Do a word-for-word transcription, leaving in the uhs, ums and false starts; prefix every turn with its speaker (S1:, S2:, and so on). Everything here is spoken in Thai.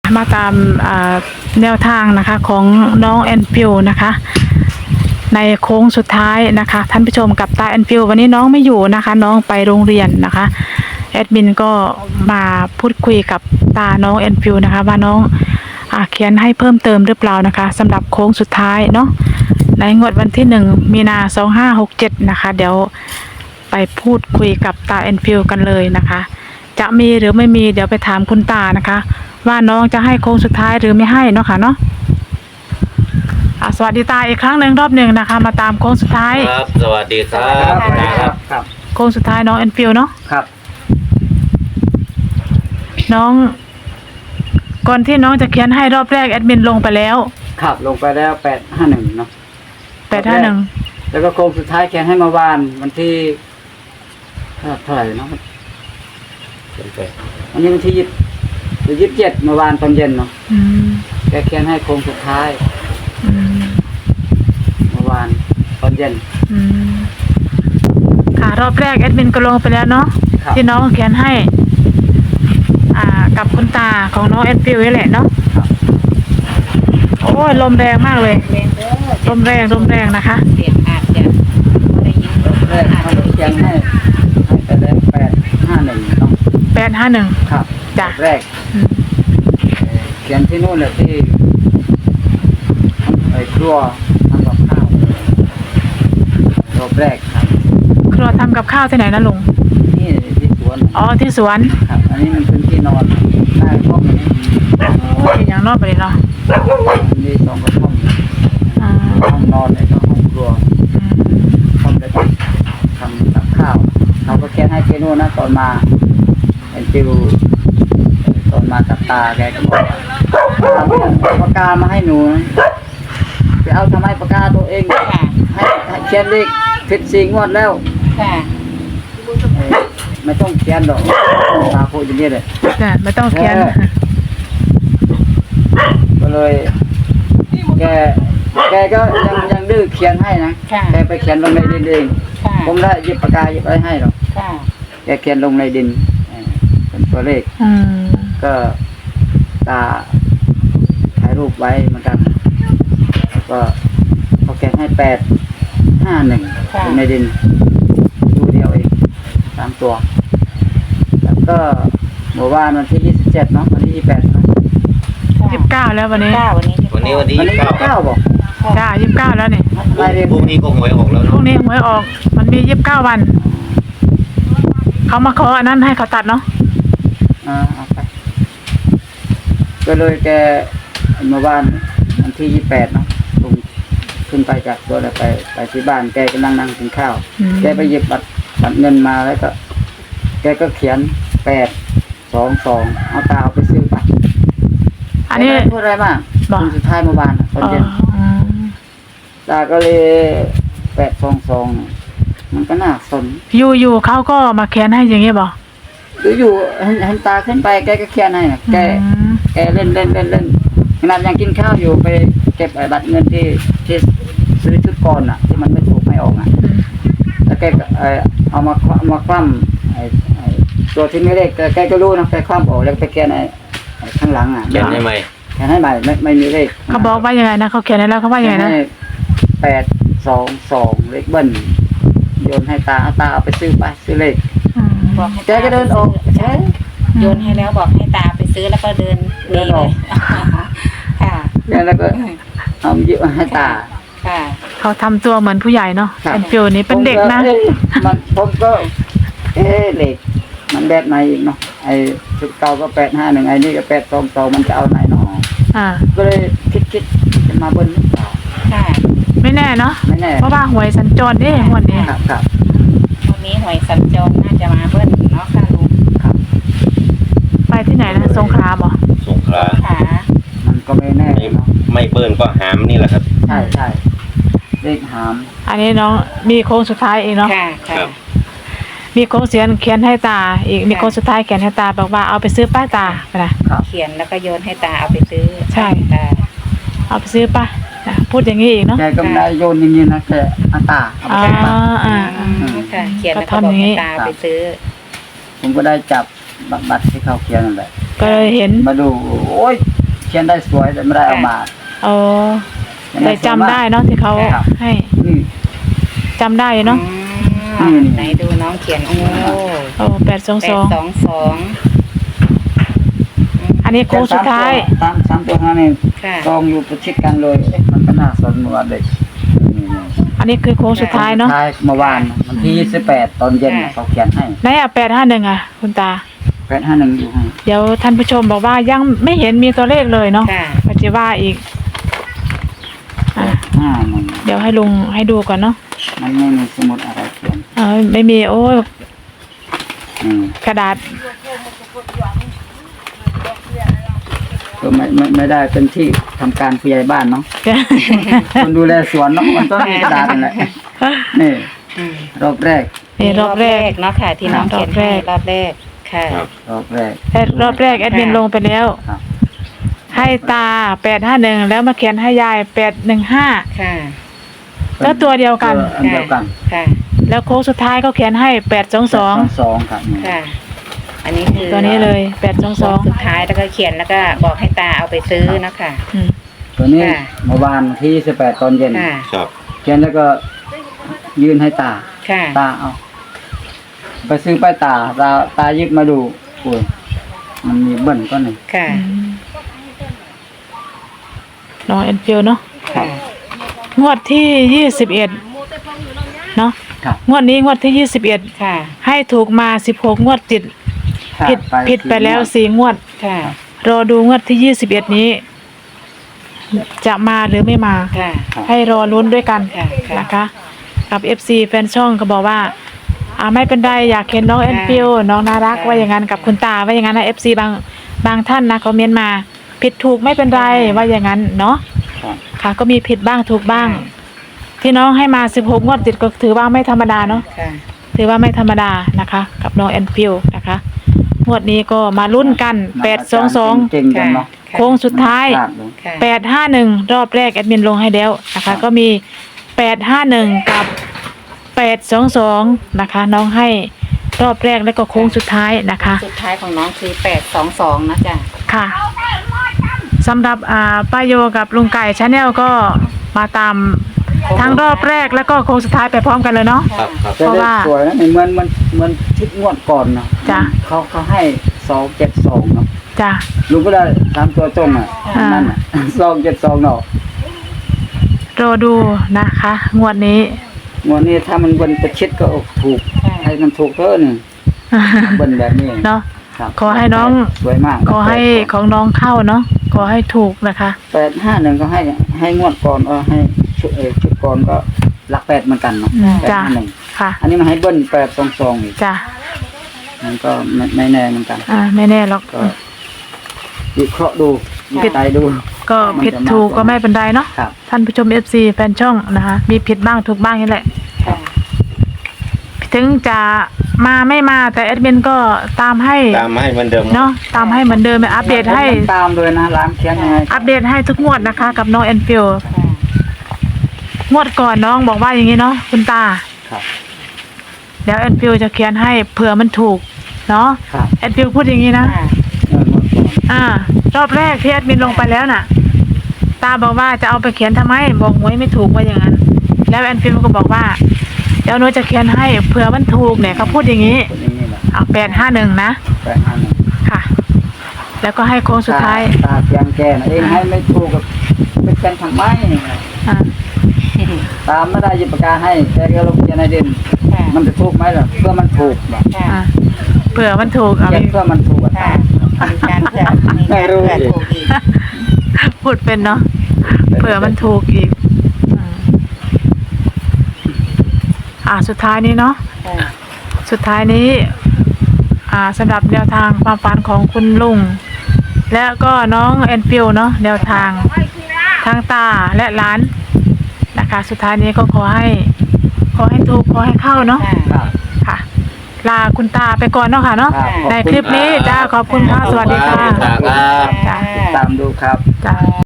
S1: มาตามแนวทางนะคะของน้องแอนฟิวนะคะในโค้งสุดท้ายนะคะท่านผู้ชมกับตาแอนฟิววันนี้น้องไม่อยู่นะคะน้องไปโรงเรียนนะคะแอดมินก็มาพูดคุยกับตาน้องแอนฟิวนะคะว่าน้องอ่าเขียนให้เพิ่มเติมหรือเปล่านะคะสำหรับโค้งสุดท้ายเนาะในงวดวันที่หนึ่งมีนาสองห้าหกเจ็ดนะคะเดี๋ยวไปพูดคุยกับตาแอนฟิวกันเลยนะคะจะมีหรือไม่มีเดี๋ยวไปถามคุณตานะคะว่าน้องจะให้โค้งสุดท้ายหรือไม่ให้เนาะค่ะเนาะสวัสดีตาอีกครั้งหนึ่งรอบหนึ่งนะคะมาตามโค้งสุดท้าย
S2: ครับสวัสดีครับตาครับ
S1: ครับโค้งสุดท้ายน้องแอนฟิวเนาะ
S3: ครับ
S1: น้องก่อนที่น้องจะเขียนให้รอบแรกแอดมินลงไปแล้ว
S3: ครับลงไปแล้วแปดห้าหนึ่งเนาะ
S1: แปดห้าหนึ่ง
S3: แล้วก็โค้งสุดท้ายเขียนให้เมื่อวานวันที่เท่าไหร่เนาะวันนี้วันที่ยี่สิบยี่สิบเจ็ดเมื่อวานตอนเย็นเนาะแกเขียนให้โค้งสุดท้ายเมื่อวานตอนเย็น
S1: ค่ะรอบแรกแอดมินก็ลงไปแล้วเนาะที่น้องเขียนให้อ่ากับคุณตาของน้องแอนฟิวนี่แหละเนาะโอ้ยลมแรงมากเลยลมแรงลมแรงนะคะ
S4: เสียงอาจจะได้ยิน
S3: แรกเขาเขียนให้ให้ไปแล้วแปดห้าหนึ่งเนาะ
S1: แปดห้าหนึ่ง
S3: ครับ
S1: จ้ะ
S3: แรกเขียนที่นู่นเลยที่ไอ้ครัวทำกับข้าวรอบแรกครับ
S1: ครัวทำกับข้าวที่ไหนนะลุง
S3: นี่ที่สวน
S1: อ๋อที่สวน
S3: ครับอันนี้มันเป็นที่นอนหน้าห้องนี้
S1: โอ้ยอย่างนอกไปเลยเนาะ
S3: มีสองกระท่อมห้องนอนแล้วก็ห้องครัวห้องเล็กทำกับข้าวเขาก็แค่ให้เจโน่นะตอนมาเป็นฟิวตอนมากับตาแกก็บอกเอาปากกามาให้หนูไปเอาทำไมปากกาตัวเองให้เขียนเลขผิดสี่งวดแล้วไม่ต้องเขียนหรอกตาพูดอย่างนี้เลย
S1: ไม่ต้องเขียน
S3: ก็เลยแกแกก็ยังยังดื้อเขียนให้นะแกไปเขียนลงในดินเองผมได้หยิบปากกาหยิบอะไรให้หรอกแกเขียนลงในดินเป็นตัวเลขก็ตาถ่ายรูปไว้เหมือนกันแล้วก็เขาเขียนให้แปดห้าหนึ่งในดินตัวเดียวเองสามตัวแล้วก็เมื่อวานวันที่ยี่สิบเจ็ดเนาะวันที่ยี่สิบแปด
S1: ยี่สิบเก้าแล้ววันนี้
S4: วันนี้
S2: วันนี้วันที่
S3: ยี่สิบเก้าบอก
S1: จ้ายี่สิบเก้าแล้วนี่
S2: พรุ่งนี้ก็หวยออกแล้ว
S1: พรุ่งนี้หวยออกมันมียี่สิบเก้าวันเขามาขออันนั้นให้เขาตัดเนาะ
S3: อ่าเอาไปก็เลยแกเมื่อวานวันที่ยี่สิบแปดเนาะลงขึ้นไปจากตัวแล้วไปไปที่บ้านแกก็นั่งนั่งกินข้าวแกไปหยิบบัตรบัตรเงินมาแล้วก็แกก็เขียนแปดสองสองเอาตาเอาไปซื้อไป
S1: อันนี้
S3: พูดอะไรมากคนสุดท้ายเมื่อวานตอนเย็นตาก็เลยแปดสองสองมันก็น่าสน
S1: อยู่อยู่เขาก็มาเขียนให้อย่างเงี้ยบอก
S3: หรืออยู่เห็นตาขึ้นไปแกก็เขียนให้แกแกเล่นเล่นเล่นเล่นขนาดยังกินข้าวอยู่ไปเก็บบัตรเงินที่ที่ซื้อชุดก่อนอ่ะที่มันไม่ถูกไม่ออกอ่ะแล้วแกเอามามาคว่ำตัวที่ไม่เลขแกก็รู้นะแกคว่ำออกแล้วไปเขียนในข้างหลังอ่ะ
S2: เขียนให้ใหม่
S3: เขียนให้ใหม่ไม่ไม่มีเลข
S1: เขาบอกว่ายังไงนะเขาเขียนแล้วเขาว่ายังไงนะ
S3: แปดสองสองเลขเบิ้ลโยนให้ตาตาเอาไปซื้อไปซื้อเลข
S4: บอกให้
S3: แกก็เดินออกใช่
S4: โยนให้แล้วบอกให้ตาไปซื้อแล้วก็เดินเดินออกค่ะ
S3: แล้วก็เอาหยิบให้ตา
S4: ค่ะ
S1: เขาทำตัวเหมือนผู้ใหญ่เนาะแอนฟิวนี่เป็นเด็กนะ
S3: มันผมก็เอ๊ะเด็กมันแบบไหนอีกเนาะไอ้ชุดเก่าก็แปดห้าหนึ่งไอ้นี่ก็แปดสองสองมันจะเอาไหนเนาะก็เลยคิดคิดจะมาบนหรือเปล่า
S4: ค่ะ
S1: ไม่แน่เนาะ
S3: ไม่แน่
S1: เพราะว่าหวยสัญจรนี่วันนี้
S3: ครับครับ
S4: วันนี้หวยสัญจรน่าจะมาเบิ้ลเนาะค่ะลุง
S3: ครับ
S1: ไปที่ไหนนะสงขลาบ่
S2: สงขลา
S4: ค่ะ
S3: มันก็ไม่แน่
S2: ไม่เบิ้ลก็หามนี่แหละครับ
S3: ใช่ใช่เลขหาม
S1: อันนี้น้องมีโค้งสุดท้ายเองเนาะ
S4: ค่ะค่ะ
S1: มีโค้งเสียนเขียนให้ตาอีกมีโค้งสุดท้ายเขียนให้ตาบอกว่าเอาไปซื้อป้าตาไปนะ
S4: เขียนแล้วก็โยนให้ตาเอาไปซื้อ
S1: ใช่
S4: ตา
S1: เอาไปซื้อป้าพูดอย่างนี้อีกเนาะ
S3: แกก็ไม่ได้โยนอย่างนี้นะแกอาตาเอาไปซื้อป้า
S4: อ่าค่ะเขียนแล้วก็บอกให้ตาไปซื้อ
S3: ผมก็ได้จับบัตรที่เขาเขียนนั่นแหละ
S1: ก็เลยเห็น
S3: มาดูโอ้ยเขียนได้สวยแต่ไม่ได้เอามา
S1: โอ้แต่จำได้เนาะที่เขาให้
S3: นี่
S1: จำได้เนาะ
S4: อืมไหนดูน้องเขียนโอ้
S1: โอ้แปดสอง
S4: แป
S1: ส
S4: ด
S1: อง
S4: สองสอง
S1: อันนี้โค้งสุดท้าย
S3: สามสามตัวห้านี่
S4: ค่ะ
S3: กองอยู่ประชิดกันเลยเอ๊ะมันก็น่าสนเหมือนเด็กนี่ๆ
S1: อันนี้คือโค้งสุดท้ายเนาะ
S3: ท้ายเมื่อวานวันที่ยี่สิบแปดตอนเย็นน่ะเขาเขียนให้
S1: ไหนอ่ะแปดห้าหนึ่งอ่ะ คุณตา
S3: แปดห้าหนึ่งอยู่ให้
S1: เดี๋ยวท่านผู้ชมบอกว่ายังไม่เห็นมีตัวเลขเลยเนาะ
S4: ค่ะ
S1: ปัจจุบันอีกอ่ะ
S3: ห้าหนึ่ง
S1: เดี๋ยวให้ลุงให้ดูก่อนเนาะ
S3: มันไม่มีสมุดอะไรเขียน
S1: เออไม่มีโอ้ย
S3: อืม
S1: กระดาษ
S3: ก็ไม่ไม่ไม่ได้เป็นที่ทำการผู้ใหญ่บ้านเนาะคนดูแลสวนเนาะมันต้องมีกระดาษนั่นแหละนี่
S4: อืม
S3: รอบแรก
S1: นี่รอบแรก
S4: เนาะค่ะ ที่น้องเขียนให้รอบแรกค่ะ
S2: ครับ
S3: รอบแรก
S1: แอดรอบแรกแอดมินลงไปแล้ว
S3: ครับ
S1: ให้ตาแปดห้าหนึ่งแล้วมาเขียนให้ยายแปดหนึ่งห้า
S4: ค่ะ
S1: แล้วตัวเดียวกัน
S3: ตัวอันเดียวกัน
S4: ค่ะ
S1: แล้วโค้งสุดท้ายก็เขียนให้แปดสองสอง
S3: สองครับนี่
S4: ค่ะ อันนี้คือ
S1: ตัวนี้เลยแปดสองสอง
S4: สุดท้ายแล้วก็เขียนแล้วก็บอกให้ตาเอาไปซื้อเนาะค่ะ
S3: ตัวนี้
S4: ค่ะ
S3: เมื่อวานที่ยี่สิบแปดตอนเย็น
S4: ค่ะ
S2: ครับ
S3: เขียนแล้วก็ยื่นให้ตา
S4: ค่ะ
S3: ตาเอาไปซื้อไปตาตาตาหยิบมาดูโอ้ยมันมีเบิ้ลก็หนึ่ง
S4: ค่ะ
S1: น้องเอ็นฟิลเนาะ
S4: ค่ะ
S1: งวดที่ยี่สิบเอ็ดเนาะ
S3: ครับ
S1: งวดนี้งวดที่ยี่สิบเอ็ด
S4: ค่ะ
S1: ให้ถูกมาสิบหกงวดติด ผิด
S3: ขา
S1: ผิดไปแล้วสี่งวด
S4: ค่ะ
S1: รอดูงวดที่ยี่สิบเอ็ดนี้ จะมาหรือไม่มา
S4: ค่ะ
S1: ให้รอลุ้นด้วยกัน
S4: ค่ะค่ะ
S1: นะคะ กับ เอฟ ซี แฟนช่องก็บอกว่าอ่าไม่เป็นไรอยากเห็นน้อง
S4: ค่ะ
S1: แอนฟิลน้องน่ารัก
S4: ค่ะ
S1: ว่าอย่างนั้นกับคุณตาว่าอย่างนั้นนะ เอฟ ซี บางบางท่านนะคอมเมนต์มา ผิดถูกไม่เป็นไร
S4: ค่ะ
S1: ว่าอย่างนั้นเนาะ
S3: ครับ
S1: ค่ะก็มีผิดบ้างถูกบ้าง ที่น้องให้มาสิบหกงวดติดก็ถือว่าไม่ธรรมดาเนาะ
S4: ค่ะ
S1: ถือว่าไม่ธรรมดานะคะ กับน้องแอนฟิลนะคะงวดนี้ก็มาลุ้นกันแปดสองสอง
S3: เก่งๆกันเนาะ
S1: โค้งสุดท้าย
S3: พลดเลย
S4: ค่ะ
S1: แปดห้าหนึ่งรอบแรกแอดมินลงให้แล้วนะคะ ก็มีแปดห้าหนึ่งกับแปดสองสองนะคะ น้องให้รอบแรกแล้วก็โค้งสุดท้ายนะคะ
S4: สุดท้ายของน้องคือแปดสองสองนะจ๊ะ
S1: ค่ะสำหรับอ่าป้าโยกับลุงไก่ชาแนลก็มาตามทั้งรอบแรกแล้วก็โค้งสุดท้ายไปพร้อมกันเลยเนาะ
S2: ครับครับ
S3: แต่
S1: เพราะ
S3: เลข
S1: ว่า
S3: สวยนะเหมือนมันเหมือนชุดงวดก่อนเนาะ
S1: จ้ะ
S3: เขาเขาให้สองเจ็ดสองเนาะ
S1: จ้ะ
S3: ลุงก็ได้ตามตัวตรงอ่ะ
S1: อ่านั่
S3: นั่นอ่ะ สองเจ็ดสองเนาะ
S1: รอดูนะคะ งวดนี้
S3: งวดนี้ถ้ามันเบิ้ลประชิดก็ถูก
S4: ค่ะ
S3: ให้มันถูกเท่านึงเบิ้ลแบบนี้
S1: เนาะ
S3: ครับ
S1: ขอให้น้อง
S3: สวยมาก
S1: ขอให้ของน้องเข้าเนาะขอให้ถูกนะคะ
S3: แปดห้าหนึ่งก็ให้ให้งวดก่อนเออให้ชุดเออชุดก่อนก็หลักแปดเหมือนกันเนาะ
S1: อืม
S3: แปด
S1: จ้ะ
S3: ห้าหนึ่ง
S1: ค่ะ
S3: อันนี้มาให้เบิ้ลแปดสองสองอีก
S1: จ้ะ
S3: มันก็ไม่ไม่แน่เหมือนกัน
S1: อ่าไม่แน่หรอก
S3: ก็วิเคราะห์ดูวิจัยดู
S1: ก็ผิดถูกก็ไม่เป็นไรเนาะ
S3: ครับ
S1: ท่านผู้ชม เอฟ ซี แฟนช่องนะคะมีผิดบ้างถูกบ้างนี่แหละ
S4: ค่ะ
S1: ถึงจะมาไม่มาแต่แอดมินก็ตามให้
S2: ตามให้เหมือนเดิม
S1: เนาะตามให้เหมือนเดิมอัปเดตให้
S3: ตามเลยนะร้านเคียงยังไง
S1: อัปเดตให้ทุกงวดนะคะ กับน้องแอนฟิล
S4: ค่ะ
S1: งวดก่อนน้องบอกว่าอย่างนี้เนาะคุณตา
S3: ครับ
S1: เดี๋ยวแอนฟิลจะเขียนให้เผื่อมันถูกเนาะ
S3: ครับ
S1: แอนฟิลพูดอย่างนี้นะ
S4: ค่ะ
S3: เออหมดก่อน
S1: อ่ารอบแรกที่แอดมินลงไปแล้วน่ะ ตาบอกว่าจะเอาไปเขียนทำไมบอกหวยไม่ถูกว่าอย่างนั้น แล้วแอนฟิลก็บอกว่าเดี๋ยวหนูจะเขียนให้เผื่อมันถูกเนี่ยเขาพูดอย่างนี้
S3: คนอย่างนี้แหละ
S1: เอาแปดห้าหนึ่งนะ
S3: แปดห้าหนึ่ง
S1: ค่ะ แล้วก็ให้โค้งสุดท้าย
S3: ตาเคียงแกนะเองให้ไม่ถูกกับเป็นกันทำไม
S1: อ่า
S3: ตามไม่ได้หยิบปากกาให้แกก็ลงเขียนในดิน
S4: ค่ะ
S3: มันจะถูกไหมล่ะเพื่อมันถูกแบบ
S4: ค่ะ
S1: อ่าเผื่อมันถูกเอา
S3: เขียนเพื่อมันถูกอะ
S4: ค่ะมีการเผื่อมีการเผื่อถูกอีก
S1: พูดเป็นเนาะเผื่อมันถูกอีกอืมอ่าสุดท้ายนี้เนาะ
S4: ค่ะ
S1: สุดท้ายนี้ อ่าสำหรับแนวทางความฝันของคุณลุง และก็น้องแอนฟิลเนาะแนวทางทางตาและหลานนะคะ สุดท้ายนี้ก็ขอให้ ขอให้ถูกขอให้เข้าเนาะ
S4: ค่ะ
S3: ครับ
S1: ค่ะ ลาคุณตาไปก่อนเนาะค่ะเนาะ
S3: ครับขอบ
S1: ใน
S3: ณ
S1: คลิปนี้จ้าขอบคุณค่ะสวัสดีค่ะ
S2: ขอบคุณครับ
S1: จ้ะ
S3: ตามดูครับ
S1: จ้า